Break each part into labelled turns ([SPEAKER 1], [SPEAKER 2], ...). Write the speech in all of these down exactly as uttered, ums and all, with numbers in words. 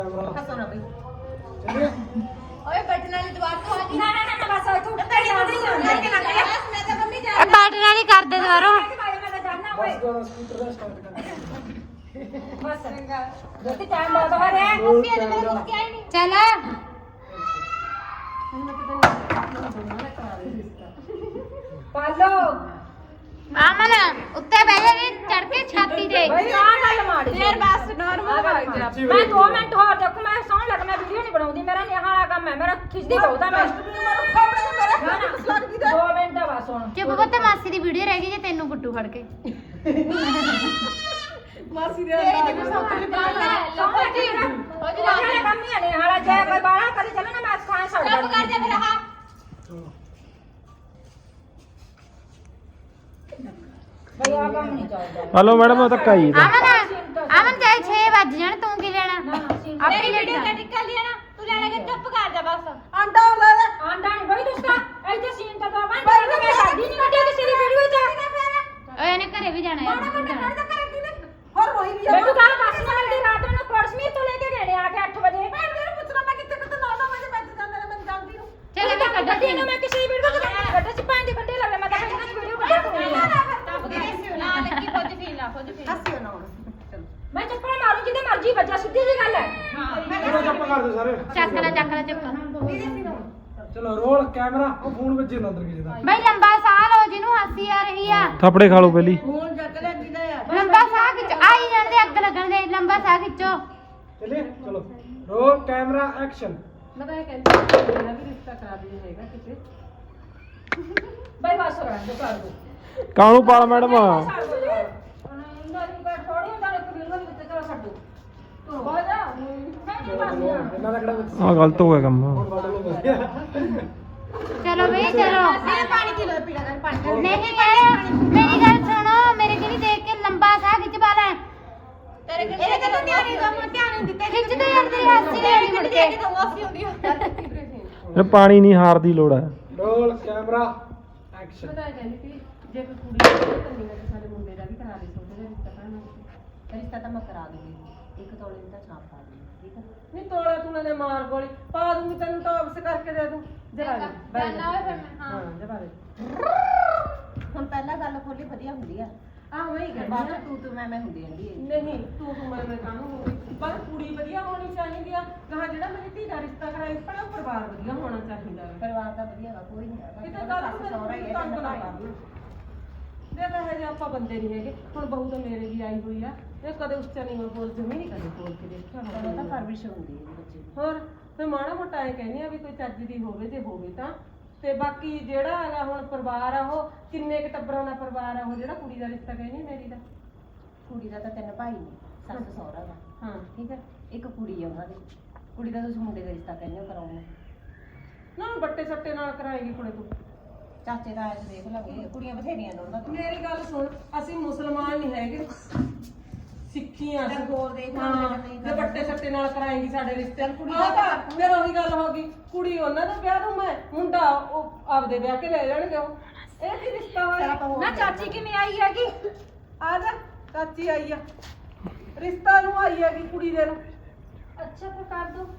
[SPEAKER 1] ਹੱਸੋ ਨਾ ਬਈ
[SPEAKER 2] ਓਏ ਬਟਨ ਵਾਲੀ ਦੁਆਰ ਤੋਂ ਆ ਗਈ
[SPEAKER 1] ਨਾ ਨਾ ਨਾ ਬਸ ਇੱਥੋਂ ਉੱਤੇ ਜਾ ਨਹੀਂ
[SPEAKER 2] ਮੈਂ ਤਾਂ ਮੰਮੀ ਜਾ
[SPEAKER 3] ਇਹ ਬਟਨ ਵਾਲੀ ਕਰ ਦੇ ਦੁਬਾਰਾ
[SPEAKER 1] ਮੈਂ ਤਾਂ ਜਾਣਾ ਓਏ
[SPEAKER 4] ਬਸ ਸਕੂਟਰ ਦਾ ਸਟਾਰਟ ਕਰ
[SPEAKER 1] ਬਸ ਜਲਦੀ ਟਾਈਮ ਬਹੁਤ ਹੋ ਰਿਹਾ ਹੈ
[SPEAKER 2] ਮੰਮੀ ਨੇ ਮੇਰੇ ਕੋਲ ਕਿਹਾ ਹੀ ਨਹੀਂ
[SPEAKER 3] ਚੱਲ
[SPEAKER 1] ਪਾਲੋ
[SPEAKER 3] ਆਮਨ ਉੱਤੇ ਬਹਿ ਜਾ ਚੜ ਕੇ ਛਾਤੀ ਤੇ
[SPEAKER 1] ਬਈ ਆ ਗੱਲ ਮਾੜੀ
[SPEAKER 2] ਫੇਰ ਬਸ ਨਾਰਮਲ ਹੋ ਜਾ
[SPEAKER 1] ਮੈਂ ਦੋ ਮਿੰਟ ਹੋਰ ਦੇਖੋ ਮੈਂ ਸੌਣ ਲੱਗ ਮੈਂ ਵੀਡੀਓ ਨਹੀਂ ਬਣਾਉਂਦੀ ਮੇਰਾ ਨਿਹਾ ਵਾਲਾ ਕੰਮ ਹੈ ਮੇਰਾ ਖਿੱਚਦੀ ਬਹੁਤਾ ਮੈਂ ਦੋ ਮਿੰਟ ਦਾ ਬਸ ਹੁਣ
[SPEAKER 3] ਚੁੱਪ ਬੱਤੇ ਮਾਸੀ ਦੀ ਵੀਡੀਓ ਰਹਿ ਗਈ ਜੇ ਤੈਨੂੰ ਗੁੱਟੂ ਫੜ ਕੇ
[SPEAKER 2] ਮਾਸੀ ਦੇ ਅੰਦਰ ਸੌਕਰ
[SPEAKER 1] ਸੌਣ ਲੱਗੀ ਨਾ ਹੋ ਜਾ ਕੰਮ ਹੀ ਨਹੀਂ ਹਾਲਾ ਜੇ ਕੋਈ ਬਾਹਰ ਕਰੀ ਚੱਲੇ ਨਾ ਮੈਂ ਖਾਣ ਛੱਡ
[SPEAKER 2] ਚੁੱਪ ਕਰ ਜਾ ਫਿਰ ਹਾਂ
[SPEAKER 1] ਬਈ ਆ ਕੰਮ ਨਹੀਂ ਚੱਲਦਾ
[SPEAKER 4] ਹਲੋ ਮੈਡਮ ਧੱਕਾ ਹੀ
[SPEAKER 3] ਆਮਨ ਆਮਨ ਚਾਹੇ ਛੇ ਵੱਜ ਜਾਣ ਤੂੰ ਕੀ ਲੈਣਾ ਆਪਣੀ
[SPEAKER 2] ਮੇਰੀ
[SPEAKER 3] ਲੜੀ
[SPEAKER 2] ਵੀਡੀਓ ਕਟਿੰਗ ਕਰ ਲਿਆ ਨਾ ਤੂੰ ਲੈਣਾ ਕਿ ਚੁੱਪ ਕਰ ਜਾ ਬਸ
[SPEAKER 1] ਆਂਡਾ ਲੈ ਲੈ ਆਂਡਾ ਨਹੀਂ ਬਈ ਦੁਸਤਾ ਇੱਥੇ ਸੀਨ ਤਾਂ ਦੋ ਬੰਦ ਕਰ ਮੈਂ ਸਾਡੀ ਨਹੀਂ ਕੱਢਿਆ ਕਿਸੇ ਦੀ ਵੀਡੀਓ ਚ
[SPEAKER 3] ਓਏ ਇਹਨੇ ਘਰੇ ਵੀ ਜਾਣਾ ਯਾਰ
[SPEAKER 1] ਹੋਰ ਰੋਈ ਵੀ ਮੈਨੂੰ ਕੱਲ ਬੱਸ ਨਾਲ ਦੀ ਰਾਤ ਨੂੰ ਕੋਟਸਮੀਰ ਤੋਂ ਲੈ ਕੇ ਗਏ ਆ ਕੇ ਅੱਠ ਵਜੇ ਮੈਂ ਮੈਨੂੰ ਪੁੱਛਣਾ ਮੈਂ ਕਿੱਥੇ ਕਿੱਥੇ ਨੌ ਵਜੇ ਮੈਂ ਜਾਂਦਾ ਨਾ ਮੈਂ ਜਾਂਦੀ ਨੂੰ
[SPEAKER 3] ਚੱਲ ਇਹਨੇ ਕੱਢ
[SPEAKER 1] ਗੱਡੀ ਨੂੰ ਮੈਂ ਕਿਸੇ ਦੀ ਵੀਡੀਓ ਚ ਗੱਡੇ ਚ ਪੰਜ ਗੱਡੇ ਲਵੇ ਮੈਂ ਤਾਂ ਇਹਨਾਂ ਦੀ ਵੀਡੀਓ ਕੱਢ
[SPEAKER 2] ਟੱਪ ਗਈ ਨਾ ਲੱਗੀ ਖੁਦ ਫੀਲ ਨਾ ਖੁਦ ਫੀਲ
[SPEAKER 1] ਹੱਸਿਓ ਨਾ ਹੁਣ ਮੈਂ ਚੱਪਲ ਮਾਰੂ ਜਿਹਦੇ ਮਰਜ਼ੀ ਵੱਜਾ ਸਿੱਧੀ ਜੀ ਗੱਲ ਹੈ
[SPEAKER 4] ਚਲੋ ਚੱਪ ਕਰ ਦਿਓ ਸਾਰੇ
[SPEAKER 3] ਚੱਕ ਲੈ ਚੱਕ ਲੈ ਚੁੱਪ
[SPEAKER 4] ਚਲੋ ਰੋਲ ਕੈਮਰਾ ਉਹ ਫੋਨ ਵੱਜੇ ਨਾ ਅੰਦਰ ਕਿਸੇ ਦਾ
[SPEAKER 3] ਬਈ ਲੰਬਾ ਸਾਹ ਲਓ ਜਿਹਨੂੰ ਹਾਸੀ ਆ ਰਹੀ ਆ
[SPEAKER 4] ਥਾਪੜੇ ਖਾ ਲਓ ਪਹਿਲੀ
[SPEAKER 1] ਫੋਨ ਚੱਕ ਲੈ ਜਿਹਦਾ ਆ
[SPEAKER 3] ਲੰਬਾ ਸਾਹ ਖਿੱਚ ਆਈ ਜਾਂਦੇ ਅੱਗ ਲੱਗਣ ਦੇ ਲੰਬਾ ਸਾਹ ਖਿੱਚੋ
[SPEAKER 4] ਚਲੇ ਚਲੋ ਰੋਲ ਕੈਮਰਾ ਐਕਸ਼ਨ
[SPEAKER 1] ਮੈਂ ਤਾਂ ਇਹ ਕਹਿੰਦੀ ਮੇਰਾ ਵੀ ਰਿਸ਼ਤਾ ਕਰਾ ਦੇ ਹੈਗਾ ਕਿਤੇ ਬਈ ਬਸ ਹੋ ਰਹਿਣ ਦੇ ਕਰ ਦੋ
[SPEAKER 4] ਕਾਹਨੂੰ ਪਾਲ ਮੈਡਮ ਇਹਨਾਂ ਦਾ ਕਿਹੜਾ ਆ ਗਲਤ ਹੋ ਗਿਆ ਕੰਮ
[SPEAKER 3] ਚਲੋ ਬਈ ਚਲੋ
[SPEAKER 2] ਇਹ ਪਾਣੀ ਪੀ ਲੋ ਪੀੜਾ ਕਰ ਪਾਣੀ
[SPEAKER 3] ਨਹੀਂ ਮੈਡਮ ਮੇਰੀ ਗੱਲ ਸੁਣੋ ਮੇਰੇ ਕਿਹੜੀ ਦੇਖ ਕੇ ਲੰਬਾ ਸਾਹ ਖਿੱਚ ਪਾ ਲੈ
[SPEAKER 2] ਤੇਰੇ ਕੋਲ ਇਹਦੇ ਤੇ ਧਿਆਨ ਨਹੀਂ ਦੋ ਧਿਆਨ ਨਹੀਂ ਦਿੱਤੇ
[SPEAKER 3] ਖਿੱਚਦੇ ਜਾਂਦੇ ਹਾਸੀ ਨਹੀਂ ਮੁੜ ਕੇ
[SPEAKER 2] ਤਾਂ ਮਾਫੀ ਹੁੰਦੀ ਹੈ
[SPEAKER 4] ਇਹ ਪਾਣੀ ਨਹੀਂ ਹਾਰ ਦੀ ਲੋੜ ਹੈ ਰੋਲ ਕੈਮਰਾ ਐਕਸ਼ਨ
[SPEAKER 1] ਪਤਾ ਕਹਿੰਦੀ ਕਿ ਜੇ ਕੋਈ ਕੁੜੀ ਕੰਨੀ ਨਾਲ ਸਾਡੇ ਮੁੰਡੇ ਦਾ ਵੀ ਕਰਾ ਦੇ ਸੋਚਦੇ ਰਿਸ਼ਤਾ ਕਰਨਾ ਰਿਸ਼ਤਾ ਤਾਂ ਮੈਂ ਕਰਾ ਦੂੰਗੀ ਇੱਕ ਤੋਲੇ ਦਾ ਛਾਪ ਪਾ ਦੂੰਗੀ ਠੀਕ ਹੈ ਨਹੀਂ ਤੋਲਾ ਤੂੰ ਨੇ ਮਾਰ ਗੋਲੀ ਪਾ ਦੂੰਗੀ ਤੈਨੂੰ ਟੌਪਸ ਕਰਕੇ ਦੇ ਦੂੰ ਜਰਾ ਦੇ
[SPEAKER 2] ਜਾਨਾ ਹੋਵੇ ਫਿਰ ਮੈਂ ਹਾਂ
[SPEAKER 1] ਹਾਂ ਜਰਾ ਦੇ
[SPEAKER 5] ਹੁਣ ਪਹਿਲਾਂ ਗੱਲ ਖੋਲੀ ਵਧੀਆ ਹੁੰਦੀ ਆ
[SPEAKER 1] ਆਹ ਵਹੀ ਗੱਲ
[SPEAKER 5] ਬਾਅਦ ਚ ਤੂੰ ਤੂੰ ਮੈਂ ਮੈਂ ਹੁੰਦੀ ਜਾਂਦੀ ਹੈ
[SPEAKER 1] ਨਹੀਂ ਤੂੰ ਤੂੰ ਮੈਂ ਮੈਂ ਕੰਮ ਹੋਊਗੀ ਪਰ ਕੁੜੀ ਵਧੀਆ ਹੋਣੀ ਚਾਹੀਦੀ ਆ ਕਹਾ ਜਿਹੜਾ ਮੇਰੀ ਧੀ ਦਾ ਰਿਸ਼ਤਾ ਕਰਾਇਆ ਪਰ ਉਹ ਪਰਿਵਾਰ ਵਧੀਆ ਹੋਣਾ ਚਾਹੀਦਾ ਹੈ
[SPEAKER 5] ਪਰਿਵਾਰ ਦਾ ਵਧੀਆ ਵਾ ਕੋਈ ਨਹੀਂ ਹੈਗਾ
[SPEAKER 1] ਕਿਤੇ ਗੱਲ ਨੂੰ
[SPEAKER 5] ਸਹੁਰਾ ਹੀ ਹੈ
[SPEAKER 1] ਤੰਗ ਨਾ ਕਰ ਦੇ ਤਾਂ ਹੈ ਜੇ ਆਪਾਂ ਬੰਦੇ ਨਹੀਂ ਹੈਗੇ ਹੁਣ ਬਹੂ ਤਾਂ ਮੇਰੇ ਵੀ ਆਈ ਹੋਈ ਆ ਇਹ ਕਦੇ ਉੱਚਾ ਨਹੀਂ ਬੋਲ ਜਮੀ ਨਹੀਂ ਕਦੇ ਬੋਲ ਕੇ ਦੇਖਿਆ
[SPEAKER 5] ਤੈਨੂੰ ਤਾਂ ਪਰਵਿਸ਼ ਹੁੰਦੀ ਹੈ ਬੱਚੇ ਦੀ
[SPEAKER 1] ਹੋਰ ਫਿਰ ਮਾੜਾ ਮੋਟਾ ਐ ਕਹਿੰਦੀ ਆ ਵੀ ਕੋਈ ਚੱਜ ਦੀ ਹੋਵੇ ਜੇ ਹੋਵੇ ਤਾਂ ਤੇ ਬਾਕੀ ਜਿਹੜਾ ਹੈਗਾ ਹੁਣ ਪਰਿਵਾਰ ਆ ਉਹ ਕਿੰਨੇ ਕੁ ਟੱਬਰਾਂ ਦਾ ਪਰਿਵਾਰ ਆ ਉਹ ਜਿਹੜਾ ਕੁੜੀ ਦਾ ਰਿਸ਼ਤਾ ਕਹਿੰਦੀ ਮੇਰੀ ਦਾ
[SPEAKER 5] ਕੁੜੀ ਦਾ ਤਾਂ ਤਿੰਨ ਭਾਈ ਨੇ ਸੱਸ ਸਹੁਰਾ ਦਾ
[SPEAKER 1] ਹਾਂ
[SPEAKER 5] ਠੀਕ ਹੈ ਇੱਕ ਕੁੜੀ ਆ ਉਹਨਾਂ ਦੀ ਕੁੜੀ ਦਾ ਤੁਸੀਂ ਮੁੰਡੇ ਦਾ ਰਿਸ਼ਤਾ ਕਹਿੰਦੇ ਹੋ ਕਰਾਉਣਾ
[SPEAKER 1] ਨਾ ਬੱਟੇ ਸੱਟੇ ਨਾਲ ਕਰਾਏਗੀ ਕੁੜੇ ਤੂੰ
[SPEAKER 5] ਚਾਚੇ ਦਾ ਆਇਆ ਦੇਖ ਲਾਂਗੇ ਕੁੜੀਆਂ ਬਥੇਰੀਆਂ ਨੇ ਉਹਨਾਂ ਦੀ
[SPEAKER 1] ਮੇਰੀ ਗੱਲ ਸੁਣ ਅਸੀਂ ਮੁਸਲਮਾਨ ਨਹੀਂ ਹੈਗੇ ਸਿੱਖੀਆਂ
[SPEAKER 5] ਤੇ ਹੋਰ ਦੇਖ ਲਾ
[SPEAKER 1] ਹਾਂ
[SPEAKER 5] ਨਹੀਂ
[SPEAKER 1] ਜੇ ਬੱਟੇ ਸੱਟੇ ਨਾਲ ਕਰਾਏਗੀ ਸਾਡੇ ਰਿਸ਼ਤੇ ਕੁੜੀ
[SPEAKER 5] ਦਾ
[SPEAKER 1] ਦਾ ਫਿਰ ਉਹੀ ਗੱਲ ਹੋ ਗਈ ਕੁੜੀ ਉਹਨਾਂ ਦਾ ਵਿਆਹ ਦੂੰ ਮੈਂ ਮੁੰਡਾ ਉਹ ਆਪਦੇ ਵਿਆਹ ਕੇ ਲੈ ਜਾਣਗੇ ਉਹ ਇਹ ਕੀ ਰਿਸ਼ਤਾ ਹੋਇਆ ਨਾ ਚਾਚੀ ਕਿਵੇਂ ਆਈ ਹੈਗੀ ਆ ਜਾ ਚਾਚੀ ਆਈ ਆ ਰਿਸ਼ਤਾ ਨੂੰ ਆਈ ਹੈਗੀ ਕੁੜੀ ਦੇ ਨੂੰ ਅੱਛਾ ਫਿਰ ਕਰ ਦੋ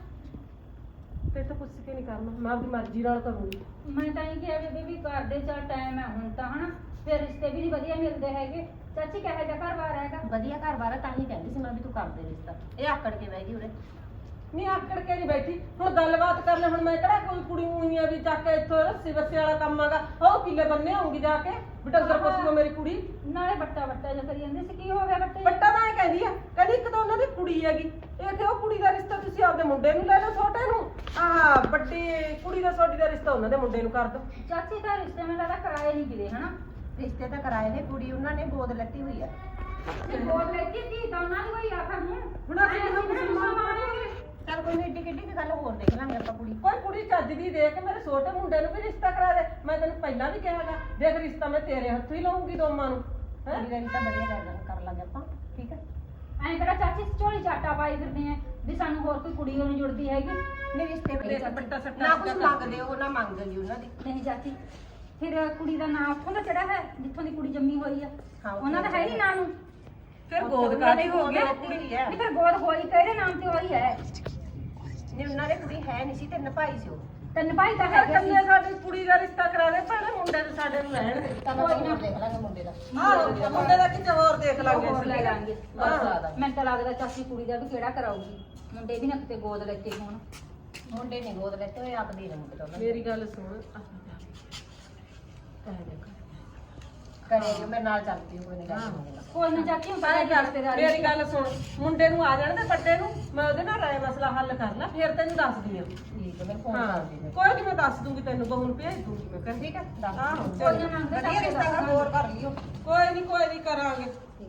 [SPEAKER 1] ਤੇ ਤਾਂ ਪੁੱਛ ਕੇ ਨਹੀਂ ਕਰਨਾ ਮੈਂ ਆਪਣੀ ਮਰਜ਼ੀ ਨਾਲ ਕਰੂੰਗੀ
[SPEAKER 6] ਮੈਂ ਤਾਂ ਇਹ ਕਿਹਾ ਵੀ ਵੀ ਘਰ ਦੇ ਚਾ ਟਾਈਮ ਹੈ ਹੁਣ ਤਾਂ ਹਨਾ ਫਿਰ ਰਿਸ਼ਤੇ ਵੀ ਨਹੀਂ ਵਧੀਆ ਮਿਲਦੇ ਹੈਗੇ ਚਾਚੀ ਕਹੇ ਜਾ ਘਰ ਬਾਰ ਹੈਗਾ
[SPEAKER 5] ਵਧੀਆ ਘਰ ਬਾਰ ਆ, ਤਾਂ ਹੀ ਕਹਿੰਦੀ ਸੀ ਮੈਂ ਵੀ ਤੂੰ ਕਰ ਦੇ ਰਿਸ਼ਤਾ ਇਹ ਆਕੜ ਕੇ ਬਹਿ ਗਈ ਉਰੇ
[SPEAKER 1] ਨਹੀਂ ਆਕੜ ਕੇ ਨਹੀਂ ਬੈਠੀ ਹੁਣ ਗੱਲਬਾਤ ਕਰ ਲੈ ਹੁਣ ਮੈਂ ਕਿਹੜਾ ਕੋਈ ਕੁੜੀ ਹੋਈ ਆ ਵੀ ਚੱਕ ਕੇ ਇੱਥੋਂ ਰੱਸੀ ਬੱਸੇ ਵਾਲਾ ਕੰਮ ਆਗਾ ਉਹ ਕਿੱਲੇ ਬੰਨੇ ਆਉਂਗੀ ਜਾ ਕੇ ਬਟੰਗਰ ਪਸੂਗਾ ਮੇਰੀ ਕੁੜੀ
[SPEAKER 6] ਨਾਲੇ ਬੱਟਾ ਬੱਟਾ ਜਿਹਾ ਕਰੀ ਜਾਂਦੇ ਸੀ ਕੀ ਹੋ ਗਿਆ ਬੱਟੇ
[SPEAKER 1] ਬੱਟਾ ਤਾਂ ਇਹ ਕਹਿੰਦੀ ਆ ਕਹਿੰਦੀ ਇੱਕ ਤਾਂ ਉਹਨਾਂ ਦੀ ਕੁੜੀ ਹੈਗੀ ਇਹ ਕਿ ਉਹ ਕੁੜੀ ਦਾ ਰਿਸ਼ਤਾ ਤੁਸੀਂ ਆਪਦੇ ਮੁੰਡੇ ਨੂੰ ਲੈ ਲਓ ਛੋਟੇ ਨੂੰ ਆਹ ਵੱਡੀ ਕੁੜੀ ਦਾ ਛੋਟੀ ਦਾ ਰਿਸ਼ਤਾ ਉਹਨਾਂ ਦੇ ਮੁੰਡੇ ਨੂੰ ਕਰ ਦਿਓ
[SPEAKER 6] ਚਾਚੀ ਦਾ ਰਿਸ਼ਤੇ ਮੈਂ ਲੱਗਦਾ ਕਰਾਏ ਨਹੀਂ ਕਿਤੇ ਹਨਾ
[SPEAKER 5] ਰਿਸ਼ਤੇ ਤਾਂ ਕਰਾਏ ਨੇ ਕੁੜੀ ਉਹਨਾਂ ਨੇ ਗੋਦ ਲੱਤੀ ਹੋਈ ਆ
[SPEAKER 6] ਤੇ ਬੋਲ ਲੈ ਕੇ ਕੀ ਤਾਂ ਉਹਨਾਂ ਦੀ ਕੋਈ ਆਖਰ ਨੂੰ
[SPEAKER 1] ਹੁਣ ਅਸੀਂ ਤਾਂ ਮੁਸਲਮਾਨ ਹੋ ਗਏ
[SPEAKER 5] ਚੱਲ ਕੋਈ ਨਹੀਂ ਏਡੀ ਕਿੱਡੀ ਗੱਲ ਹੋਰ ਦੇਖ ਲਾਂਗੇ ਆਪਾਂ ਕੁੜੀ
[SPEAKER 1] ਕੋਈ ਕੁੜੀ ਚੱਜ ਦੀ ਦੇ ਕੇ ਮੇਰੇ ਛੋਟੇ ਮੁੰਡੇ ਨੂੰ ਵੀ ਰਿਸ਼ਤਾ ਕਰਾ ਦੇ ਮੈਂ ਤੈਨੂੰ ਪਹਿਲਾਂ ਵੀ ਕਿਹਾਗਾ ਦੇਖ ਰਿਸ਼ਤਾ ਮੈਂ ਤੇਰੇ ਹੱਥੋਂ ਹੀ ਲਵਾਂਗੀ ਦੋਵਾਂ ਨੂੰ ਹੈ
[SPEAKER 5] ਕੁੜੀ ਦਾ ਰਿਸ਼ਤਾ ਵਧੀਆ ਕਰ ਲਾਂਗੇ ਕਰ ਲਾਂਗੇ ਆਪਾਂ ਠੀਕ ਹੈ
[SPEAKER 6] ਐਂ ਕਿਹੜਾ ਚਾਚੀ ਝੋਲੀ ਚਾਟਾ ਪਾਈ ਫਿਰਦੇ ਆ ਵੀ ਸਾਨੂੰ ਹੋਰ ਕੋਈ ਕੁੜੀ ਨਹੀਂ ਜੁੜਦੀ ਹੈਗੀ
[SPEAKER 5] ਨਹੀਂ ਰਿਸ਼ਤੇ
[SPEAKER 1] ਦੇਖ
[SPEAKER 5] ਵਧੀਆ
[SPEAKER 1] ਬੱਟਾ ਸੱਟਾ
[SPEAKER 5] ਨਾ ਕੁਝ ਮੰਗਦੇ ਉਹ ਨਾ ਮੰਗਦੇ ਉਹਨਾਂ ਦੀ
[SPEAKER 6] ਨਹੀਂ ਚਾਚੀ ਫਿਰ ਕੁੜੀ ਦਾ ਨਾਂ ਉੱਥੋਂ ਦਾ ਚੜਾ ਹੈ ਜਿੱਥੋਂ ਦੀ ਕੁੜੀ ਜੰਮੀ ਹੋਈ ਆ
[SPEAKER 5] ਹਾਂ, ਉੱਥੋਂ
[SPEAKER 6] ਉਹਨਾਂ ਦਾ ਹੈ ਨਹੀਂ ਨਾਂ ਨੂੰ
[SPEAKER 1] ਫਿਰ ਗੋਦ ਕਾਦੀ ਹੋ ਗਿਆ
[SPEAKER 5] ਕੁੜੀ ਹੈ
[SPEAKER 6] ਨਹੀਂ ਫਿਰ ਗੋਦ ਹੋਈ ਕਿਹੜੇ ਨਾਮ ਤੇ ਹੋਈ ਹੈ
[SPEAKER 5] ਨਹੀਂ ਉਹਨਾਂ ਦੇ ਕੁੜੀ ਹੈ ਨਹੀਂ ਸੀ ਤੇ ਨਪਾਈ ਸੀ ਉਹ
[SPEAKER 6] ਤਿੰਨ ਭਾਈ ਤਾਂ
[SPEAKER 1] ਇਹ
[SPEAKER 6] ਹੈਗੇ ਸੀ
[SPEAKER 1] ਕੰਨੇ ਸਾਡੀ ਕੁੜੀ ਦਾ ਰਿਸ਼ਤਾ ਕਰਾ ਦੇ ਭੈਣੇ ਮੁੰਡੇ ਦੇ ਸਾਡੇ ਨੂੰ ਰਹਿਣ ਦੇ
[SPEAKER 5] ਤਾਂ ਕੋਈ ਨਾ ਦੇਖ ਲਾਂਗੇ ਮੁੰਡੇ ਦਾ
[SPEAKER 1] ਆਹੋ ਮੁੰਡੇ ਦਾ ਕਿਤੇ ਹੋਰ ਦੇਖ ਲਾਂਗੇ
[SPEAKER 6] ਹੋਰ
[SPEAKER 1] ਅਸੀਂ।
[SPEAKER 6] ਲੈ ਲਾਂਗੇ
[SPEAKER 1] ਹਾਂ।
[SPEAKER 6] ਮੈਨੂੰ ਤਾਂ ਲੱਗਦਾ ਚਾਚੀ ਕੁੜੀ ਦਾ ਵੀ ਕਿਹੜਾ ਕਰਾਊਗੀ ਮੁੰਡੇ ਵੀ ਨਾ ਕਿਤੇ ਗੋਦ ਲੈਤੇ ਹੋਣ
[SPEAKER 5] ਮੁੰਡੇ ਨੇ ਗੋਦ ਲੈਤੇ ਹੋਏ ਆਪ ਦੇ ਨੇ ਮੁੰਡੇ ਤੋਂ
[SPEAKER 1] ਮੇਰੀ ਗੱਲ ਸੁਣ ਕਹਿ ਦੇ
[SPEAKER 5] ਕਰੇ ਮੈਂ ਨਾਲ ਚੱਲਦੀ ਕੋਈ ਨਹੀਂ ਗੱਲ ਮੁੰਡੇ ਨਾਲ
[SPEAKER 6] ਕੋਈ ਨਾ ਚਾਚੀ ਹੁਣ ਤਾਂ
[SPEAKER 1] ਐਂ ਕਰ,
[SPEAKER 6] ਰਿਸ਼ਤੇਦਾਰੀ
[SPEAKER 1] ਮੇਰੀ ਗੱਲ ਸੁਣ ਮੁੰਡੇ ਨੂੰ ਆ ਜਾਣ ਦੇ ਵੱਡੇ ਨੂੰ ਮੈਂ ਉਹਦੇ ਨਾਲ ਰਾਏ ਮਸਲਾ ਹੱਲ ਕਰ ਲਾ ਫਿਰ ਤੈਨੂੰ ਦੱਸਦੀ ਆ
[SPEAKER 5] ਠੀਕ ਹੈ ਮੈਂ ਫੋਨ
[SPEAKER 1] ਹਾਂ
[SPEAKER 5] ਕਰਦੀ ਹਾਂ
[SPEAKER 1] ਕੋਈ ਨਹੀਂ ਮੈਂ ਦੱਸ ਦੂੰਗੀ ਤੈਨੂੰ ਬਹੂ ਨੂੰ ਭੇਜ ਦੂੰਗੀ ਮੈਂ ਕਰ
[SPEAKER 5] ਠੀਕ ਹੈ ਦੱਸ
[SPEAKER 1] ਆਹੋ
[SPEAKER 6] ਕੋਈ ਨਾ ਮੰਗਦੇ
[SPEAKER 5] ਵਧੀਆ ਰਿਸ਼ਤਾ ਦਾ ਹੋਰ ਕਰ ਲਿਓ
[SPEAKER 1] ਕੋਈ ਨਹੀਂ ਕੋਈ ਨਹੀਂ ਕਰਾਂਗੇ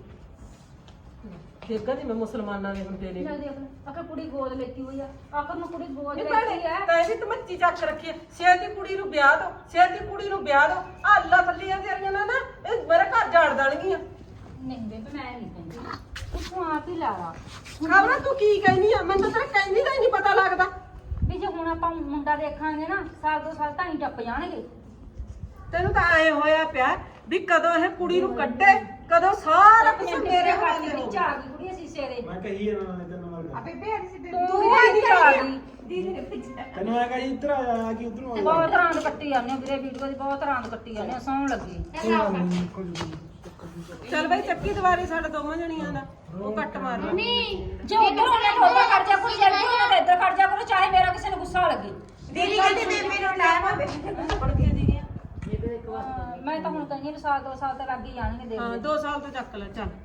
[SPEAKER 1] ਦੇਖਾਂ ਜੀ ਮੈਂ ਮੁਸਲਮਾਨਾਂ ਦੇ ਹੁੰਦੇ ਨੇ
[SPEAKER 6] ਚੱਲ ਦੇਖ ਲੈ ਆਖਰ ਕੁੜੀ ਗੋਦ ਲੈਤੀ ਹੋਈ ਆ ਆਖਰ ਨੂੰ ਕੁੜੀ ਗੋਦ
[SPEAKER 1] ਨਹੀਂ
[SPEAKER 6] ਲੈਤੀ
[SPEAKER 1] ਭੈਣੇ
[SPEAKER 6] ਹੈ
[SPEAKER 1] ਤਾਂ ਇਹਦੀ ਤਾਂ ਮੱਚੀ ਚੱਕ ਰੱਖੀ ਹੈ ਛੇਤੀ ਕੁੜੀ ਨੂੰ ਵਿਆਹ ਦੋ ਛੇਤੀ ਕੁੜੀ ਨੂੰ ਵਿਆਹ ਦੋ ਆ ਅੱਲਾ ਥੱਲੀਆਂ ਤੇਰੀਆਂ ਨਾ ਨਾ ਇਹ ਮੇਰੇ ਘਰ ਜਾੜ ਦੇਣਗੀਆਂ
[SPEAKER 6] ਨਹੀਂ ਬੇਬੇ ਮੈਂ ਨਹੀਂ ਕਹਿੰਦੀ ਤੂੰ ਆਪ ਹੀ ਲਾ ਲਾ
[SPEAKER 1] ਖਬਰਾਂ ਤੂੰ ਕੀ ਕਹਿਨੀ ਆ ਮੈਨੂੰ ਤਾਂ ਤੇਰਾ ਕਹਿੰਦੀ ਦਾ ਹੀ ਨਹੀਂ ਪਤਾ ਲੱਗਦਾ
[SPEAKER 6] ਵੀ ਜੇ ਹੁਣ ਆਪਾਂ ਮੁੰਡਾ ਦੇਖਾਂਗੇ ਨਾ ਸਾਲ ਦੋ ਸਾਲ ਤਾਂ ਹੀ ਟੱਪ ਜਾਣਗੇ
[SPEAKER 1] ਤੈਨੂੰ ਤਾਂ ਐ ਹੋਇਆ ਪਿਆ ਵੀ ਕਦੋਂ ਇਹ ਕੁੜੀ ਨੂੰ ਕੱਢੇ ਕਦੋਂ ਸਾਰਾ ਕੁਝ ਮੇਰੇ ਹੱਥ ਦੇ
[SPEAKER 6] ਵਿੱਚ ਆ ਗਈ ਕੁੜੀ ਅਸੀਂ ਸੇਰੇ
[SPEAKER 4] ਮੈਂ ਕਹੀ ਇਹਨਾਂ ਨੇ ਤੈਨੂੰ ਨਾਲ
[SPEAKER 5] ਆਪੇ ਭੇਜ ਸੀ
[SPEAKER 6] ਤੂੰ ਵੀ ਨਹੀਂ ਆ ਗਈ
[SPEAKER 5] ਦੀਦੀ ਨੇ ਪਿੱਛੇ
[SPEAKER 4] ਤੈਨੂੰ ਮੈਂ ਕਹੀ ਇੱਧਰ ਆ ਜਾ ਕਿ ਉਧਰ ਆ
[SPEAKER 6] ਬਹੁਤ ਰਾਂਦ ਕੱਟੀ ਜਾਂਦੇ ਹੋ ਵੀਰੇ ਵੀਡੀਓ ਦੀ ਬਹੁਤ ਰਾਂਦ ਕੱਟੀ ਜਾਂਦੇ ਹੋ ਸੌਣ ਲੱਗੀ
[SPEAKER 1] ਚੱਲ ਬਈ ਚੱਕੀ ਦੁਆਰੇ ਸਾਡਾ ਦੋਵਾਂ ਜਣੀਆਂ ਦਾ ਉਹ ਕੱਟ ਮਾਰ ਲਾ।
[SPEAKER 6] ਜੇ ਉਧਰ ਉਹਨੇ ਠੋਕਾ ਕਰ ਜਾ ਕੋਈ ਜਲਦੀ ਉਹਨਾਂ ਦੇ ਇੱਧਰ ਖੜ ਜਾ ਕਰੋ ਚਾਹੇ ਮੇਰਾ ਕਿਸੇ ਨੂੰ ਗੁੱਸਾ ਲੱਗੇ
[SPEAKER 5] ਦੀਦੀ ਕਹਿੰਦੀ ਬੇਬੀ ਨੂੰ ਟਾਈਮ ਆ ਬੇਬੀ
[SPEAKER 1] ਪੜ ਕੇ ਦੀ ਗਿਆ
[SPEAKER 6] ਹਾਂ, ਮੈਂ ਤਾਂ ਹੁਣ ਕਹਿੰਦੀ ਵੀ ਸਾਲ ਦੋ ਸਾਲ ਤਾਂ ਲੱਗ ਹੀ ਜਾਣਗੇ ਦੇਖ
[SPEAKER 1] ਹਾਂ
[SPEAKER 6] ਲੈ
[SPEAKER 1] ਦੋ ਸਾਲ ਤੋਂ ਚੱਕ ਲੈ ਚੱਲ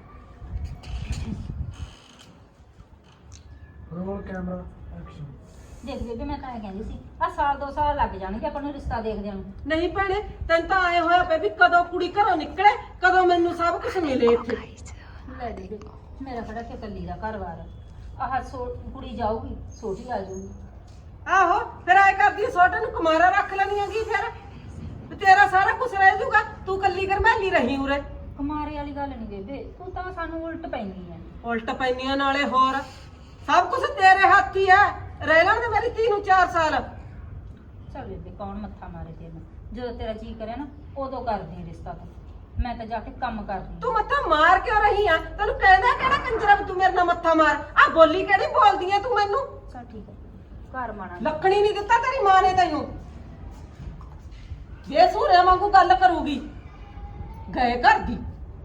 [SPEAKER 4] ਰੋਲ ਕੈਮਰਾ ਐਕਸ਼ਨ
[SPEAKER 6] ਦੇਖ ਬੇਬੇ ਮੈਂ ਤਾਂ ਇਹ ਕਹਿੰਦੀ ਸੀ ਆ ਸਾਲ ਦੋ ਸਾਲ ਲੱਗ ਜਾਣਗੇ ਆਪਾਂ ਨੂੰ ਰਿਸ਼ਤਾ ਦੇਖਦਿਆਂ ਨੂੰ
[SPEAKER 1] ਨਹੀਂ ਭੈਣੇ ਤੈਨੂੰ ਤਾਂ ਆਏ ਹੋਇਆ ਪਿਆ ਵੀ ਕਦੋਂ ਕੁੜੀ ਘਰੋਂ ਨਿਕਲੇ ਕਦੋਂ ਮੈਨੂੰ ਸਭ ਕੁਝ ਮਿਲੇ ਇੱਥੇ
[SPEAKER 6] ਲੈ ਦੇ ਮੇਰਾ ਕਿਹੜਾ ਕਿ ਕੱਲੀ ਦਾ ਘਰ-ਬਾਰ ਆਹ ਸੋ ਕੁੜੀ ਜਾਊਗੀ ਛੋਟੀ ਆ ਜਾਊਗੀ
[SPEAKER 1] ਆਹੋ ਫਿਰ ਆਏ ਕਰਦੀ ਛੋਟੇ ਨੂੰ ਕੁਮਾਰਾ ਰੱਖ ਲੈਣੀ ਹੈਗੀ ਫਿਰ ਤੇ ਤੇਰਾ ਸਾਰਾ ਕੁਝ ਰਹਿ ਜਾਊਗਾ ਤੂੰ ਕੱਲੀ ਗਰਮੈਲੀ ਰਹੀ ਉਰੇ
[SPEAKER 6] ਕੁਮਾਰੇ ਵਾਲੀ ਗੱਲ ਨਹੀਂ ਬੇਬੇ ਤੂੰ ਤਾਂ ਸਾਨੂੰ ਉਲਟ ਪੈਂਦੀ ਐ
[SPEAKER 1] ਉਲਟ ਪੈਨੀਆਂ ਨਾਲੇ ਹੋਰ ਸਭ ਕੁਝ ਤੇਰੇ ਹੱਥ ਹੀ ਹੈ ਰਹਿ ਲੈਣ ਤੇ ਮੇਰੀ ਧੀ ਨੂੰ ਚਾਰ ਸਾਲ
[SPEAKER 6] ਚੱਲ ਬੇਬੇ ਕੌਣ ਮੱਥਾ ਮਾਰੇ ਤੈਨੂੰ ਜਦੋਂ ਤੇਰਾ ਜੀ ਕਰੇ ਨਾ ਉਦੋਂ ਕਰਦੀ ਰਿਸ਼ਤਾ ਤੂੰ ਮੈਂ ਤਾਂ ਜਾ ਕੇ ਕੰਮ ਕਰਦੀ
[SPEAKER 1] ਤੂੰ ਮੱਥਾ ਮਾਰ ਕਿਉਂ ਰਹੀ ਆ ਤੈਨੂੰ ਕਹਿੰਦਾ ਕਿਹੜਾ ਕੰਜਰਾ ਵੀ ਤੂੰ ਮੇਰੇ ਨਾਲ ਮੱਥਾ ਮਾਰ ਆ ਬੋਲੀ ਕਿਹੜੀ ਬੋਲਦੀ ਆ ਤੂੰ ਮੈਨੂੰ
[SPEAKER 6] ਚੱਲ ਠੀਕ ਹੈ ਘਰ ਮਾਣਾ
[SPEAKER 1] ਲੱਕਣੀ ਨਹੀਂ ਦਿੱਤਾ ਤੇਰੀ ਮਾਂ ਨੇ ਤੈਨੂੰ ਬੇਸੂਰੇ ਵਾਂਗੂ ਗੱਲ ਕਰੂਗੀ ਗਏ ਘਰ ਦੀ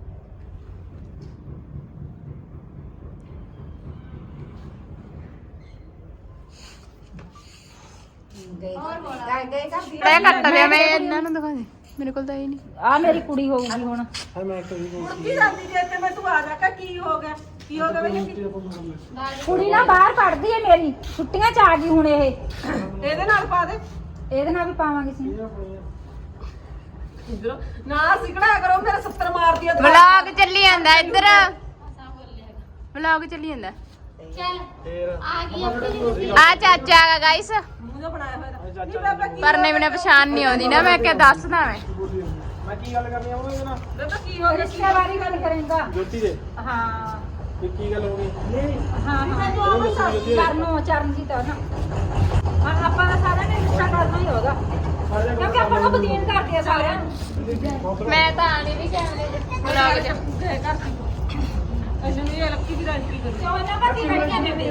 [SPEAKER 5] ਗਏ ਗਏ ਗਏ ਕਰਦੀ
[SPEAKER 2] ਮੈਂ ਕੱਟ ਲਿਆ ਮੈਂ ਇਹਨਾਂ ਨੂੰ ਦਿਖਾ ਦੇ ਮੇਰੇ ਕੋਲ ਤਾਂ ਇਹ ਨਹੀਂ
[SPEAKER 6] ਆ ਮੇਰੀ ਕੁੜੀ ਹੋਊਗੀ ਹੁਣ
[SPEAKER 4] ਹਾਂ ਮੈਂ ਕਹੀ
[SPEAKER 1] ਕੀ ਜਾਂਦੀ ਜੇ ਤੇ ਮੈਂ ਤੂੰ ਆ ਜਾ ਕੇ ਕੀ ਹੋ ਗਿਆ ਕੀ ਹੋ ਗਿਆ ਬਈ
[SPEAKER 6] ਕੁੜੀ ਨਾ ਬਾਹਰ ਪੜਦੀ ਐ ਮੇਰੀ ਛੁੱਟੀਆਂ ਚ ਆ ਗਈ ਹੁਣ ਇਹ
[SPEAKER 1] ਇਹਦੇ ਨਾਲ ਪਾ ਦੇ
[SPEAKER 6] ਇਹਦੇ ਨਾਲ ਵੀ ਪਾਵਾਂਗੇ ਸੀ
[SPEAKER 1] ਇਧਰੋਂ ਨਾ ਸਿਕੜਾ ਕਰੋ ਮੇਰੇ ਸੱਤਰ ਮਾਰਦੀ ਆ
[SPEAKER 2] ਵਲੌਗ ਚੱਲੀ ਜਾਂਦਾ ਇੱਧਰ ਵਲੌਗ ਚੱਲੀ ਜਾਂਦਾ
[SPEAKER 3] ਚੱਲ
[SPEAKER 4] ਫੇਰ
[SPEAKER 3] ਆ ਗਈ ਆਪਣੀ
[SPEAKER 2] ਆ ਚਾਚਾ ਆ ਗਾਇਸ
[SPEAKER 1] ਮੂੰਹ ਜਿਹਾ ਬਣਾਇਆ ਹੋਇਆ ਇਹਦਾ। ਨਹੀਂ ਬਾਬਾ ਕੀ
[SPEAKER 2] ਪਰ ਨਹੀਂ ਮੈਨੂੰ ਪਛਾਣ ਨਹੀਂ ਆਉਂਦੀ ਨਾ ਮੈਂ ਕਿਹਾ ਦੱਸਦਾ ਮੈਂ
[SPEAKER 4] ਮੈਂ ਕੀ ਗੱਲ ਕਰਨੀ ਆ ਉਹਦੇ ਨਾਲ
[SPEAKER 1] ਬਾਬਾ ਕੀ ਹੋ ਗਿਆ
[SPEAKER 6] ਰਿਸ਼ਤੇ ਬਾਰੇ ਗੱਲ ਕਰੇਗਾ
[SPEAKER 4] ਜੋਤੀ ਦੇ
[SPEAKER 6] ਹਾਂ
[SPEAKER 4] ਵੀ ਕੀ ਗੱਲ ਹੋ ਗਈ
[SPEAKER 6] ਹਾਂ ਹਾਂ
[SPEAKER 1] ਤੈਨੂੰ ਆਵਾਂ ਸੱਸ
[SPEAKER 6] ਕਰਨੋਂ ਚਰਨਜੀਤ ਆ ਨਾ ਹਾਂ ਆਪਾਂ ਦਾ ਸਾਰਿਆਂ ਨੇ ਰਿਸ਼ਤਾ ਕਰਨਾ ਹੀ ਹੋਗਾ ਕਿਉਂਕਿ ਆਪਾਂ ਨੂੰ ਬਦੀਨ ਕਰਦੇ ਆ ਸਾਰਿਆਂ ਨੂੰ
[SPEAKER 2] ਮੈਂ ਤਾਂ ਆਣੀ ਵੀ ਕੈਮਰੇ ਦੇ ਵਲੌਗ ਚ
[SPEAKER 1] ਗਏ ਘਰ ਦੀ ਅਜੇ ਇਹ ਲੱਕੀ ਦੀ ਰੰਟੀ ਕਰੀ
[SPEAKER 6] ਕਿਉਂ ਨਾ ਕਰਦੀ ਬੈਠੀਆਂ ਬੇਬੇ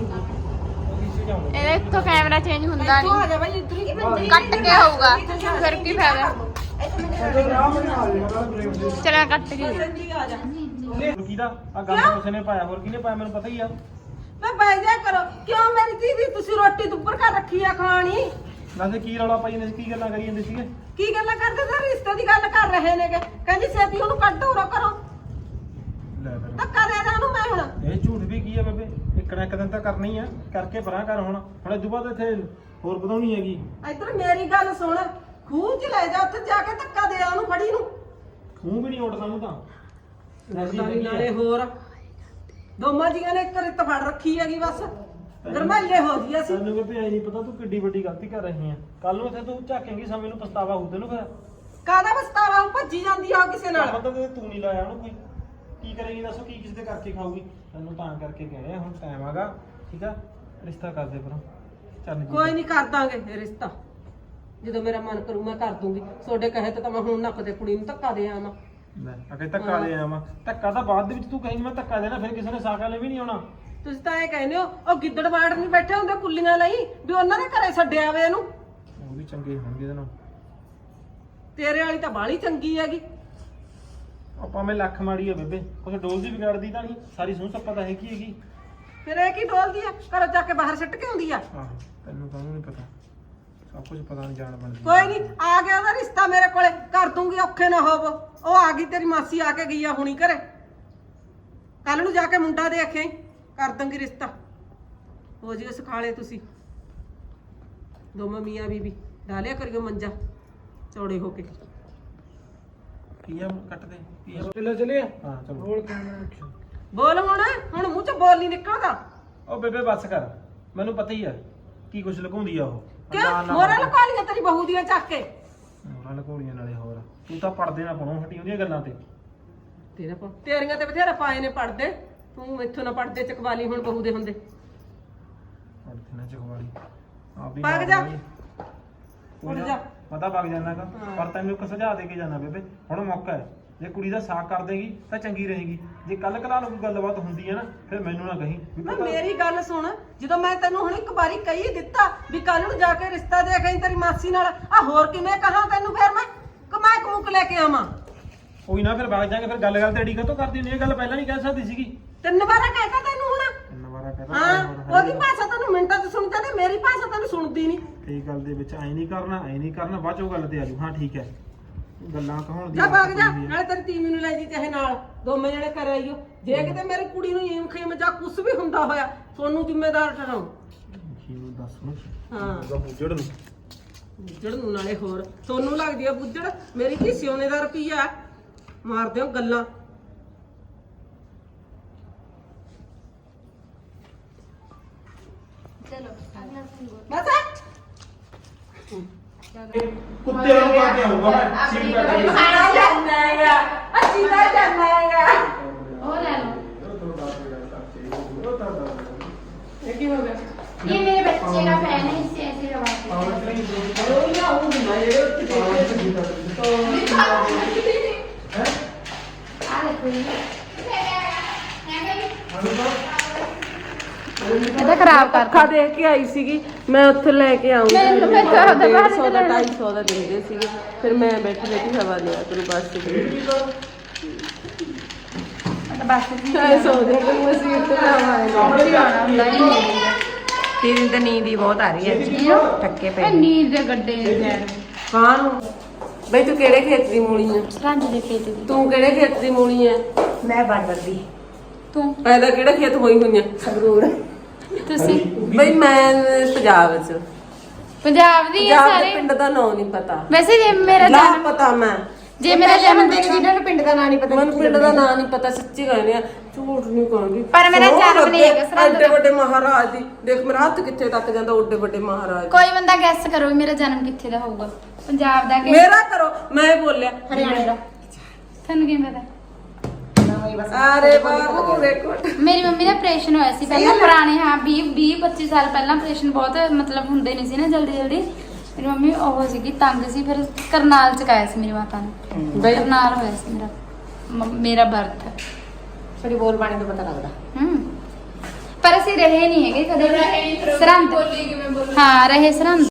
[SPEAKER 2] ਇਹਦੇ ਇੱਥੋਂ ਕੈਮਰਾ ਚੇਂਜ ਹੁੰਦਾ
[SPEAKER 1] ਤੂੰ ਆ
[SPEAKER 2] ਨਹੀਂ
[SPEAKER 1] ਜਾ ਬਾਈ ਇੱਧਰ ਹੀ
[SPEAKER 2] ਕੱਟ ਕੇ ਹੋਊਗਾ ਫਿਰ ਕੀ ਫਾਇਦਾ ਚਲਾ ਕੱਟ ਕੇ
[SPEAKER 1] ਸੰਜੀ ਆ ਜਾ
[SPEAKER 4] ਹੋਰ ਕਿਹਦਾ ਆ ਗੱਲ ਕਿਸੇ ਨੇ ਪਾਇਆ ਹੋਰ ਕਿਹਨੇ ਪਾਇਆ ਮੈਨੂੰ ਪਤਾ ਹੀ ਆ
[SPEAKER 1] ਮੈਂ ਬਹਿ ਜਾ ਕਰੋ ਕਿਉਂ ਮੇਰੀ ਦੀਦੀ ਤੁਸੀਂ ਰੋਟੀ ਦੁੱਪਰ ਕਰ ਰੱਖੀ ਆ ਖਾਣੀ
[SPEAKER 4] ਵੈਸੇ ਕੀ ਰੌਲਾ ਪਾਈ ਜਾਂਦੇ ਸੀ ਕੀ ਗੱਲਾਂ ਕਰੀ ਜਾਂਦੇ ਸੀਗੇ
[SPEAKER 1] ਕੀ ਗੱਲਾਂ ਕਰਦੇ ਤੇ ਰਿਸ਼ਤੇ ਦੀ ਗੱਲ ਕਰ ਰਹੇ ਨੇਗੇ ਕਹਿੰਦੀ ਛੇਤੀ ਉਹਨੂੰ ਕੱਢ ਉਰੋ ਕਰੋ
[SPEAKER 4] ਲੈ ਫਿਰ
[SPEAKER 1] ਧੱਕਾ ਦੇ ਦਾਂ ਉਹਨੂੰ ਮੈਂ ਹੁਣ
[SPEAKER 4] ਇਹ ਝੂਠ ਵੀ ਕੀ ਆ ਬੇਬੇ ਇੱਕ ਨਾ ਇੱਕ ਦਿਨ ਤਾਂ ਕਰਨੀ ਆ ਕਰਕੇ ਪਰਾਂ ਕਰ ਹੁਣ ਹੁਣ ਇਦੋਂ ਬਾਅਦ ਇੱਥੇ ਹੋਰ ਵਧਾਉਣੀ ਹੈਗੀ
[SPEAKER 1] ਇੱਧਰ ਮੇਰੀ ਗੱਲ ਸੁਣ ਖੂਹ 'ਚ ਲੈ ਜਾ ਉੱਥੇ ਜਾ ਕੇ ਧੱਕਾ ਦੇ ਆ ਉਹਨੂੰ ਫੜੀ ਨੂੰ
[SPEAKER 4] ਮੂੰਹ ਵੀ ਨਹੀਂ ਉੱਡਦਾ ਮੂੰਹ ਤਾਂ
[SPEAKER 1] ਨਾਲੇ ਹੋਰ ਦੋਮਾਂ ਜੀਆਂ ਨੇ ਇੱਕ ਰਿੱਤ ਫੜ ਰੱਖੀ ਹੈਗੀ ਬਸ ਗਰਮਾਈਏ ਹੋ ਜੀ ਅਸੀਂ
[SPEAKER 4] ਸਾਨੂੰ ਬੇਬੇ ਐ ਨਹੀਂ ਪਤਾ ਤੂੰ ਕਿੱਡੀ ਵੱਡੀ ਗਲਤੀ ਕਰ ਰਹੀ ਆ ਕੱਲ ਨੂੰ ਇੱਥੇ ਤੂੰ ਝਾਕੇਂਗੀ ਸਮੇਂ ਨੂੰ ਪਛਤਾਵਾ ਹੋਊ ਤੈਨੂੰ ਫਿਰ
[SPEAKER 1] ਕਾਹਦਾ ਬਸਤਾਵਾ ਉਹ ਭੱਜੀ ਜਾਂਦੀ ਆ ਉਹ ਕਿਸੇ ਨਾਲ
[SPEAKER 4] ਮਤਲਬ ਤੇ ਤੂੰ ਨਹੀਂ ਲਾਇਆ ਉਹਨੂੰ ਕੋਈ ਕੀ ਕਰੇਗੀ ਦੱਸੋ ਕੀ ਕਿਸੇ ਦੇ ਕਰਕੇ ਖਾਊਗੀ ਤੈਨੂੰ ਤਾਂ ਕਰਕੇ ਕਹਿ ਰਿਹਾ ਹੁਣ ਟਾਈਮ ਆਗਾ ਠੀਕ ਆ ਰਿਸ਼ਤਾ ਕਰ ਦੇ ਪਰਾਂ ਚੱਲ ਜੀ
[SPEAKER 1] ਕੋਈ ਨਹੀਂ ਕਰ ਦਾਂਗੇ ਇਹ ਰਿਸ਼ਤਾ ਜਦੋਂ ਮੇਰਾ ਮਨ ਕਰੂ ਮੈਂ ਕਰ ਦੂੰਗੀ ਤੁਹਾਡੇ ਕਹੇ ਤੇ ਤਾਂ ਮੈਂ ਹੁਣ ਨੱਕ ਦੇ ਕੁੜੀ ਨੂੰ ਧੱਕਾ ਦੇ ਆਵਾਂ
[SPEAKER 4] ਲੈ ਅਗੇ ਧੱਕਾ ਦੇ ਆਵਾਂ ਧੱਕਾ ਤਾਂ ਬਾਅਦ ਦੇ ਵਿੱਚ ਤੂੰ ਕਹੇਂਗੀ ਮੈਂ ਧੱਕਾ ਦੇਣਾ ਫਿਰ ਕਿਸੇ ਨੇ ਸਾਕ ਵਾਲੇ ਵੀ ਨਹੀਂ ਆਉਣਾ
[SPEAKER 1] ਤੁਸੀਂ ਤਾਂ ਐ ਕਹਿੰਦੇ ਹੋ ਉਹ ਗਿੱਦੜ ਬਾੜ ਨਹੀਂ ਬੈਠੇ ਹੁੰਦੇ ਕੁੱਲੀਆਂ ਲਈ ਵੀ ਉਹਨਾਂ ਦੇ ਘਰੇ ਛੱਡਿਆ ਵੇ ਇਹਨੂੰ।
[SPEAKER 4] ਉਹ ਵੀ ਚੰਗੇ ਹੋਣਗੇ ਇਹਦੇ ਨਾਲ।
[SPEAKER 1] ਤੇਰੇ ਵਾਲੀ ਤਾਂ ਬਾਹਲੀ ਚੰਗੀ ਹੈਗੀ।
[SPEAKER 4] ਆਪਾਂ ਮੈਂ ਲੱਖ ਮਾੜੀ ਆ ਬੇਬੇ, ਕੁਛ ਡੋਲ ਦੀ ਵਿਗਾੜਦੀ ਤਾਂ ਨਹੀਂ, ਸਾਰੀ ਸੂਹ ਸੱਪਾ ਤਾਂ ਹੈਗੀ ਹੈਗੀ।
[SPEAKER 1] ਫਿਰ ਇਹ ਕੀ ਡੋਲਦੀ ਆ, ਘਰੋਂ ਜਾ ਕੇ ਬਾਹਰ ਸਿੱਟ ਕੇ ਆਉਂਦੀ ਆ।
[SPEAKER 4] ਆਹੋ ਤੈਨੂੰ ਤਾਂ ਨਹੀਂ ਪਤਾ, ਸਭ ਕੁਝ ਪਤਾ ਨਹੀਂ ਜਾਣ ਬਣਦੀ।
[SPEAKER 1] ਕੋਈ ਨਹੀਂ, ਆ ਗਿਆ ਉਹਦਾ ਰਿਸ਼ਤਾ ਮੇਰੇ ਕੋਲੇ, ਕਰ ਦੂੰਗੀ, ਔਖੇ ਨਾ ਹੋਵੋ। ਉਹ ਆ ਗਈ, ਤੇਰੀ ਮਾਸੀ ਆ ਕੇ ਗਈ ਆ ਹੁਣੀ ਘਰੇ। ਕੱਲ ਨੂੰ ਜਾ ਕੇ ਮੁੰਡਾ ਦੇਖੇ, ਕਰ ਦੂੰਗੀ ਰਿਸ਼ਤਾ। ਹੋ ਜਿਓ ਸਿਖਾਲੇ ਤੁਸੀਂ ਦੋਵੇਂ ਮੀਆਂ ਬੀਬੀ, ਡਾਲਿਆ ਕਰਿਓ ਮੰਜਾ ਚੌੜੇ ਹੋ ਕੇ।
[SPEAKER 4] ਪੀਆ ਕੱਟ ਦੇ, ਪੀਆ ਚਲੇ ਚਲੇ ਹਾਂ ਚਲੋ। ਬੋਲ
[SPEAKER 1] ਬੋਲ ਹੁਣ, ਹੁਣ ਮੂੰਹ ਚ ਬੋਲ ਨਹੀਂ ਨਿਕਲਦਾ।
[SPEAKER 4] ਉਹ ਬੇਬੇ ਬੱਸ ਕਰ, ਮੈਨੂੰ ਪਤਾ ਹੀ ਆ ਕੀ ਕੁਛ ਲਗਾਉਂਦੀ ਆ ਉਹ।
[SPEAKER 1] ਕਿਉਂ ਮੋਰਾ ਲਗਾ ਲਿਆ ਤੇਰੀ ਬਹੂ ਦੀਆਂ ਚੱਕ ਕੇ?
[SPEAKER 4] ਮੋਰਾ ਲਗਾਉਣੀਆਂ ਨਾਲੇ ਹੋਰ, ਤੂੰ ਤਾਂ ਪੜਦੇ ਨਾ ਪੜੋ ਹਟੀ ਉਹਦੀਆਂ ਗੱਲਾਂ ਤੇ।
[SPEAKER 1] ਤੇਰਾ ਪਾ ਤੇਰੀਆਂ ਤੇ ਬਥੇਰਾ ਪਾਏ ਨੇ ਪੜਦੇ, ਤੂੰ ਇੱਥੋਂ ਨਾ ਪੜਦੇ ਚਕਵਾਲੀ ਹੁਣ ਬਹੂ ਦੇ ਹੁੰਦੇ।
[SPEAKER 4] ਪੜਦੇ ਨਾ ਚਖਵਾਲੀ ਆਪ ਵੀ
[SPEAKER 1] ਭੱਗ ਜਾ।
[SPEAKER 4] ਉੱਠ
[SPEAKER 1] ਜਾ।
[SPEAKER 4] ਪਤਾ ਵਗ ਜਾਣਾਗਾ, ਪਰ ਤੈਨੂੰ ਇੱਕ ਸੁਝਾਅ ਦੇ ਕੇ ਜਾਣਾ ਬੇਬੇ, ਹੁਣ ਮੌਕਾ ਹੈ। ਜੇ ਕੁੜੀ ਦਾ ਸਾਥ ਕਰ ਦੇਗੀ ਤਾਂ ਚੰਗੀ ਰਹੇਗੀ, ਜੇ ਕੱਲ ਕਲਾ ਨੂੰ ਕੋਈ ਗੱਲਬਾਤ ਹੁੰਦੀ ਹੈ ਨਾ ਫਿਰ ਮੈਨੂੰ ਨਾ ਕਹੀਂ ਵੀ
[SPEAKER 1] ਨਾ
[SPEAKER 4] ਪਤਾ-
[SPEAKER 1] ਮੇਰੀ ਗੱਲ ਸੁਣ, ਜਦੋਂ ਮੈਂ ਤੈਨੂੰ ਹੁਣ ਇੱਕ ਵਾਰੀ ਕਹੀ ਦਿੱਤਾ ਵੀ ਕੱਲ ਨੂੰ ਜਾ ਕੇ ਰਿਸ਼ਤਾ ਦੇਖ ਆਈ ਤੇਰੀ ਮਾਸੀ ਨਾਲ, ਆ ਹੋਰ ਕਿਵੇਂ ਕਹਾਂ ਤੈਨੂੰ? ਫਿਰ ਮੈਂ ਕਮਾ ਕਮੂਕ ਲੈ ਕੇ ਆਵਾਂ?
[SPEAKER 4] ਕੋਈ ਨਾ ਫਿਰ ਵਗ ਜਾਾਂਗੇ, ਫਿਰ ਗੱਲ ਗੱਲ ਤੇ ਅੜੀ ਕਾਤੋਂ ਕਰਦੀ ਹੁੰਦੀ? ਇਹ ਗੱਲ ਪਹਿਲਾਂ ਨਹੀਂ ਕਹਿ ਸਕਦੀ ਸੀਗੀ।
[SPEAKER 1] ਤਿੰਨ ਵਾਰਾ ਕਹਿਤਾ ਤੈਨੂੰ ਹੁਣ।
[SPEAKER 4] ਤਿੰਨ ਵਾਰਾ ਕਹਤਾ।
[SPEAKER 1] ਹਾਂ, ਉਹਦੀ ਭਾਸ਼ਾ ਤੈਨੂੰ ਮਿੰਟਾਂ 'ਚ ਸੁਣ ਜਾਂਦੀ, ਮੇਰੀ ਭਾਸ਼ਾ ਤੈਨੂੰ ਸੁਣਦੀ ਨਹੀਂ।
[SPEAKER 4] ਇਹ ਗੱਲ ਦੇ ਵਿੱਚ ਐ ਨਹੀਂ ਕਰਨਾ, ਐ ਨਹੀਂ ਕਰਨਾ, ਬਾਅਦ ਚੋਂ ਗੱਲ ਤੇ ਆਜੂ। ਹਾਂ ਠੀਕ ਹੈ, ਗੱਲਾਂ ਕਹਾਉਣ ਦੀ
[SPEAKER 1] ਜਾ ਭਾਗ ਜਾ, ਨਾਲੇ ਤੇਰੀ ਤੀਵੀਂ ਨੂੰ ਲੈ ਜੀ ਚਾਹੇ ਨਾਲ, ਦੋਵੇਂ ਜਣੇ ਕਰ ਆਈਓ। ਜੇ ਕਿਤੇ ਮੇਰੀ ਕੁੜੀ ਨੂੰ ਈਮ ਖੀਮ ਜਾਂ ਕੁਛ ਵੀ ਹੁੰਦਾ ਹੋਇਆ, ਤੁਹਾਨੂੰ ਜ਼ਿੰਮੇਦਾਰ ਠਹਿਰਾਉ।
[SPEAKER 4] ਕੀ ਨੂੰ ਦੱਸ ਨੂੰ
[SPEAKER 1] ਹਾਂ
[SPEAKER 4] ਉਹਦਾ ਬੁੱਝੜ ਨੂੰ
[SPEAKER 1] ਬੁੱਜੜ ਨੂੰ ਨਾਲੇ ਹੋਰ ਤੁਹਾਨੂੰ ਲੱਗਦੀ ਆ ਬੁੱਜੜ, ਮੇਰੀ ਕੀ ਸਿਉਨੇ ਦਾ ਰੁਪਈਆ ਮਾਰਦੇ ਹੋ ਗੱਲਾਂ। ਬਸ
[SPEAKER 4] ਕੁੱਤੇ ਨੂੰ ਪਾ ਕੇ ਆਊਗਾ ਮੈਂ ਸੀਟ ਕੱਟ ਕੇ।
[SPEAKER 1] ਖਾਣਾ ਜਾਣਾ ਹੈਗਾ, ਅੱਛੀ ਦਾ ਜਾਣਾ ਹੈਗਾ।
[SPEAKER 3] ਉਹ ਲੈ ਲਓ।
[SPEAKER 1] ਇਹ ਕੀ ਹੋ ਗਿਆ?
[SPEAKER 3] ये मेरे बच्चे का फैन है, इससे ऐसे रवाते हैं।
[SPEAKER 1] ਉਹ ਨਾ ਉਹ ਨਾ ਜਿਹੜੇ ਉੱਥੇ ਦੇਖੇ
[SPEAKER 3] आ देखो ये।
[SPEAKER 1] ਇਹਦਾ ਖਰਾਬ ਕਰ ਅੱਖਾਂ ਦੇਖ ਕੇ ਆਈ ਸੀਗੀ ਮੈਂ, ਉੱਥੇ ਲੈ ਕੇ ਆਉਂਗੀ।
[SPEAKER 3] ਮੈਂ- ਮੈਂ ਤਾਂ ਉਹਦਾ ਬਾਹਰ
[SPEAKER 1] ਸੌ ਦਾ ਢਾਈ ਸੌ ਦਾ ਦਿੰਦੇ ਸੀਗੇ, ਫਿਰ ਮੈਂ ਬੈਠੀ ਬੈਠੀ ਹਵਾ ਲਿਆ ਤੈਨੂੰ ਬੱਸ ਤੇ।
[SPEAKER 3] बस
[SPEAKER 1] ਢਾਈ ਸੌ ਦੇ ਤੇ ਮੈਂ ਸੀਟ ਤੇ ਲਾਵਾਂਗਾ।
[SPEAKER 5] ਤੇਰੀ ਤਾਂ ਨੀਂਦ ਹੀ ਬਹੁਤ ਆ ਰਹੀ ਹੈ, ਟੱਕੇ ਪੈ
[SPEAKER 3] ए नींद दे गड्ढे यार।
[SPEAKER 1] ਕਾਂ ਨੂੰ ਬਈ ਤੂੰ ਕਿਹੜੇ ਖੇਤ ਦੀ ਮੂਲੀ ਹੈ?
[SPEAKER 3] रांझ दे खेत दी।
[SPEAKER 1] ਤੂੰ ਕਿਹੜੇ ਖੇਤ ਦੀ ਮੂਲੀ ਹੈ?
[SPEAKER 5] ਮੈਂ ਬਾਰਡਰ ਦੀ
[SPEAKER 3] तू
[SPEAKER 1] ਪੈਦਾ ਕਿਹੜੇ ਖੇਤ ਹੋਈ ਹੋਈ ਹੈ?
[SPEAKER 5] ਸੰਗਰੂਰ।
[SPEAKER 3] तुसी
[SPEAKER 1] ਬਈ ਮੈਂ ਪੰਜਾਬ ਚ,
[SPEAKER 3] पंजाब दी है
[SPEAKER 1] ਪੰਜਾਬ ਦੇ
[SPEAKER 3] सारे।
[SPEAKER 1] ਪਿੰਡ ਦਾ ਨਾਂ ਨਹੀਂ ਪਤਾ,
[SPEAKER 3] वैसे जे मेरा
[SPEAKER 1] ਲਾ
[SPEAKER 3] जन्म
[SPEAKER 1] ਪਤਾ ਮੈਂ,
[SPEAKER 3] जे मेरा जन्म
[SPEAKER 5] ਦਿਨ ਜਿਹਨਾਂ ਨੂੰ ਪਿੰਡ ਦਾ ਨਾਂ ਨਹੀਂ ਪਤਾ,
[SPEAKER 1] ਮੈਨੂੰ ਪਿੰਡ ਦਾ ਨਾਂ ਨਹੀਂ ਪਤਾ, ਸੱਚੀ ਕਹਿੰਦੇ ਆ, ਝੂਠ ਨਹੀਂ ਕਹਾਂਗੀ।
[SPEAKER 3] ਪਰ ਮੇਰਾ
[SPEAKER 1] ਸੌ
[SPEAKER 3] ਜਨਮ ਨਹੀਂ
[SPEAKER 1] ਲੱਗੇ,
[SPEAKER 3] ਹੈਗਾ ਸਰਹੰਦ
[SPEAKER 1] ਐਡੇ
[SPEAKER 3] ਦਾ।
[SPEAKER 1] ਵੱਡੇ ਮਹਾਰਾਜ ਦੀ, ਦੇਖ ਮੇਰਾ ਹੱਥ ਕਿੱਥੇ ਤੱਕ ਜਾਂਦਾ, ਓਡੇ ਵੱਡੇ ਮਹਾਰਾਜ।
[SPEAKER 3] कोई बंदा गैस करो भी मेरा जन्म किथे दा होगा? पंजाब दा कि
[SPEAKER 1] ਮੇਰਾ ਕਰੋ, ਮੈਂ ਬੋਲਿਆ
[SPEAKER 5] ਹਰਿਆਣੇ ਦਾ।
[SPEAKER 3] थानू की पता?
[SPEAKER 1] ਅਰੇ ਬਾਬੂ ਵੇਖੋ।
[SPEAKER 3] ਮੇਰੀ ਮੰਮੀ ਦਾ ਆਪਰੇਸ਼ਨ ਹੋਇਆ ਸੀ ਪਹਿਲਾਂ, ਪੁਰਾਣੇ ਹਾਂ ਵੀਹ ਵੀਹ ਪੱਚੀ ਸਾਲ ਪਹਿਲਾਂ ਆਪਰੇਸ਼ਨ ਬਹੁਤ ਮਤਲਬ ਹੁੰਦੇ ਨਹੀਂ ਸੀ ਨਾ ਜਲਦੀ ਜਲਦੀ। ਮੇਰੀ ਮੰਮੀ ਉਹ ਸੀਗੀ ਤੰਗ ਸੀ, ਫਿਰ ਕਰਨਾਲ ਚ ਕਾਇਆ ਸੀ ਮੇਰੀ ਮਾਤਾ ਨੇ।
[SPEAKER 1] ਬਈ
[SPEAKER 3] ਕਰਨਾਲ ਹੋਇਆ ਸੀ ਮੇਰਾ ਮ- ਮੇਰਾ ਬਰਥ।
[SPEAKER 5] ਥੋੜੀ ਬੋਲ ਬਾਣੀ ਤੋਂ ਪਤਾ ਲੱਗਦਾ।
[SPEAKER 3] ਹੂੰ ਪਰ ਅਸੀਂ ਰਹੇ ਨਹੀਂ ਹੈਗੇ ਕਦੇ ਵੀ ਸਰਹੰਦ। ਹਾਂ ਰਹੇ ਸਰਹੰਦ।